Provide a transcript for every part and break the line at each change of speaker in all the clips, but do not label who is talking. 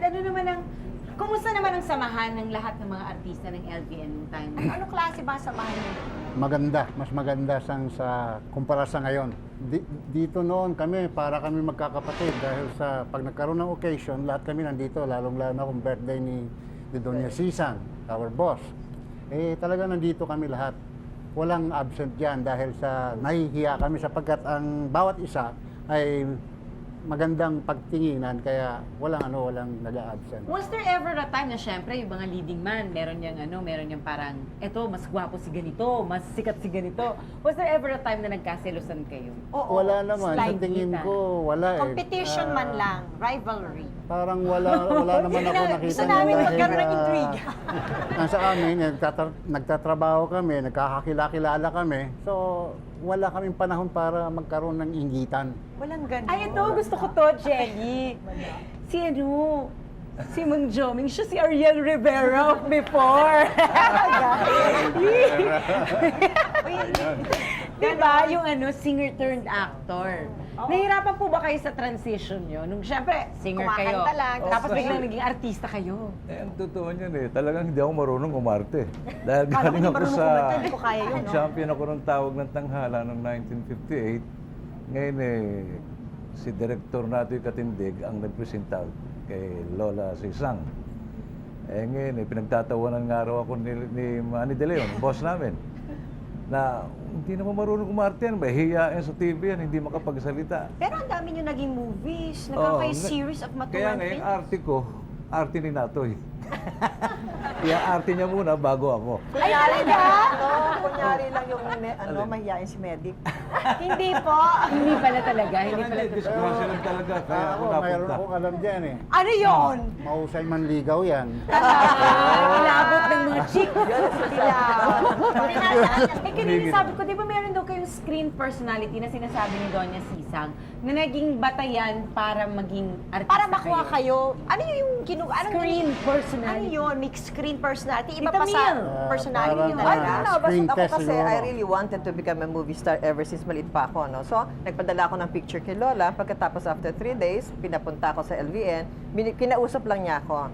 ano naman ang, kumusta naman ang samahan ng lahat ng mga artista ng LBN nung time? Ano klase ba ang samahan niyo?
Maganda, mas maganda sa kumpara sa ngayon. Dito noon kami, para kami magkakapatid dahil sa pag nagkaroon ng occasion, lahat kami nandito, lalong-lalo na kung birthday ni Doña Sisang, our boss. Eh talaga nandito kami lahat. Walang absent diyan dahil sa nahihiya kami sapagkat ang bawat isa ay magandang pagtinginan kaya walang nag-a-absent.
Was there ever a time na syempre yung mga leading man, meron niyang parang, eto, mas gwapo si ganito, mas sikat si ganito. Was there ever a time na nagkaselosan kayo?
Oo.
Wala naman, sa
Slight
tingin
kita.
ko, wala eh.
Competition man lang, rivalry.
Parang wala naman ako nakita.
Gusto namin
dahil,
magkaroon ng intriga.
Nasa amin, nagtatrabaho kami, nagkakakilala kami. So, wala kaming panahon para magkaroon ng inggitan.
Walang ganun.
Ay, ito, gusto ko to, Jenny. Si Mang Joming, siya si Ariel Rivera of before. Diba? Yung singer turned actor. Nahirapan po ba kayo sa transition nyo? Nung syempre, singer kayo.
Kumakanta lang.
Tapos biglang naging artista kayo.
Eh, ang totoo niyan eh, talagang hindi ako marunong umarte. Dahil
Kala ko
galing
hindi
ako
marunong
sa...
kumanta, hindi ko kaya yun, no?
Champion ako ng tawag ng tanghala noong 1958. Ngayon eh, si Director Natoy Katindig ang nagpresenta kay Lola Sisang. Eh ngayon eh, pinagtatawanan nga raw ako ni Manny De Leon, boss namin. Na hindi naman marunong kumarte yan, hihiyain sa TV yan, hindi makapagsalita.
Pero ang dami nyo naging movies, nagkakayo series of
Kaya
matulang
nga yung
films.
arte ko, arte ni Natoy. Kaya arte niya muna bago ako.
Kunyari lang yung mahihain si Medic.
Hindi po. Hindi pala talaga. Hindi pala totoo.
Disgrasya lang talaga, kaya ako
Mayroon
napunta.
akong alam dyan eh.
Ano yun?
Mahusay manligaw yan.
Inabot ng mga chick. Eh, kanina sabi ko, di ba meron daw kayong screen personality na sinasabi ni Doña Sisang na naging batayan para maging artista
Para makuha kayo, ano yung
Screen
ano
personality.
yun? Mixed screen personality? Iba
Tita
pa sa
Mil.
personality
Parang,
nyo
ano,
talaga?
No,
Screen
basta
test
ako kasi
siguro.
I really wanted to become a movie star ever since maliit pa ako, no? So, nagpadala ako ng picture kay Lola. Pagkatapos after 3 days, pinapunta ako sa LVN. Kinausap lang niya ako.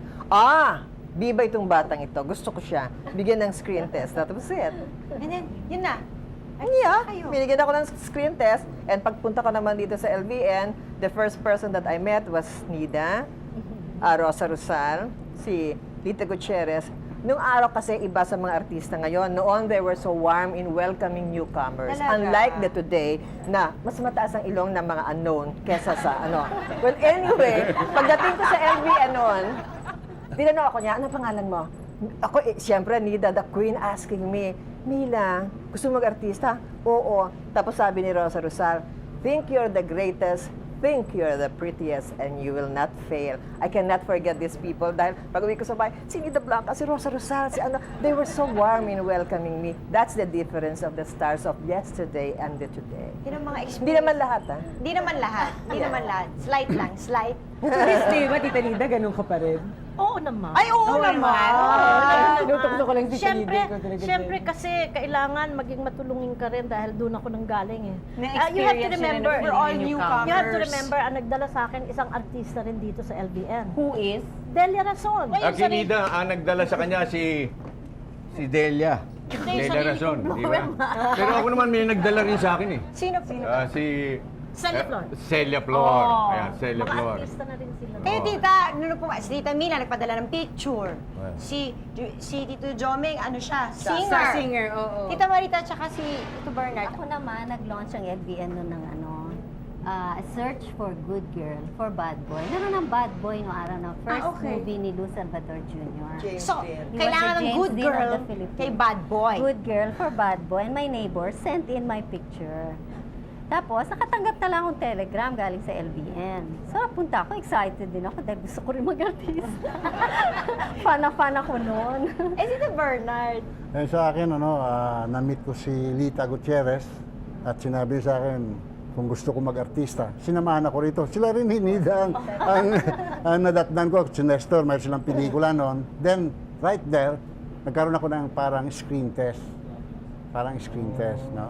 Biba itong batang ito. Gusto ko siya. Bigyan ng screen test. That was it.
And then, yun na.
Yeah,
Kayo.
binigyan ako ng screen test. And pagpunta ko naman dito sa LVN, the first person that I met was Nida, Rosa Rosal, si Lita Gutierrez. Nung araw kasi iba sa mga artista ngayon. Noon, they were so warm in welcoming newcomers.
Talaga?
Unlike the today, na mas mataas ang ilong ng mga unknown kesa sa ano. Well, anyway, pagdating ko sa LVN noon, tinanong ako niya, ano pangalan mo? Ako, siyempre, Nida, the queen, asking me, Mila, gusto mo mag-artista? Oo. Tapos sabi ni Rosa Rosal, think you're the greatest, think you're the prettiest, and you will not fail. I cannot forget these people dahil pag uwi ko sa bahay, si Nida Blanca, si Rosa Rosal, si ano, they were so warm in welcoming me. That's the difference of the stars of yesterday and the today.
Yun ang mga experience.
Hindi naman lahat, ha?
Hindi naman lahat. Hindi naman lahat. Slight lang. Slight.
Miss, di ba, Tita Nida, ganun ka pa rin?
Oo naman.
Ay, oo naman.
Tinutok ko lang si Tita
Siyempre,
Nida.
siyempre kasi kailangan maging matulungin ka rin dahil doon ako nang galing eh.
Na-experience
You have to
yun na
remember,
nung
we're all
newcomers.
newcomers.
you have to remember, ang nagdala sa akin isang artista rin dito sa LBN.
Who is?
Delia Rason.
Akinida, ang nagdala sa kanya si Delia.
Hindi,
Delia
sarili
Razon,
kong
di ba?
problema.
Pero ako naman may nagdala rin sa akin eh.
Sino?
Si
Celia Flor.
Celia Flor.
Oh.
Ayan, Celia
Mga
Flor.
artista na rin sila.
Kayo, tita, nung po, si Tita Mila nagpadala ng picture.
Well.
Si Tito Jomeng, ano siya?
Singer.
Singer.
Singer, oo.
Tita Marita, tsaka si Tito Bernard.
Ako naman, nag-launch ang LBN noon ng Search for Good Girl for Bad Boy. Naroon ng Bad Boy no araw na first
okay.
movie ni Lou Salvador Jr.
So,
He was
kailangan
the
ng
James
good
Dean of
girl
the Philippines.
kay bad boy.
Good Girl for Bad Boy. And my neighbor sent in my picture. Tapos, nakatanggap na lang akong telegram galing sa LBN. So, punta ako, excited din ako dahil gusto ko rin mag-artist. Fan ako noon.
Eh, si Tito Bernard.
Eh, sa akin, na-meet ko si Lita Gutierrez at sinabi sa akin kung gusto ko mag-artista. Sinamahan ako rito. Sila rin hinida ang nadatnan ko. Si Nestor, mayroon silang pelikula noon. Then, right there, nagkaroon ako ng parang screen test. Parang screen test, no?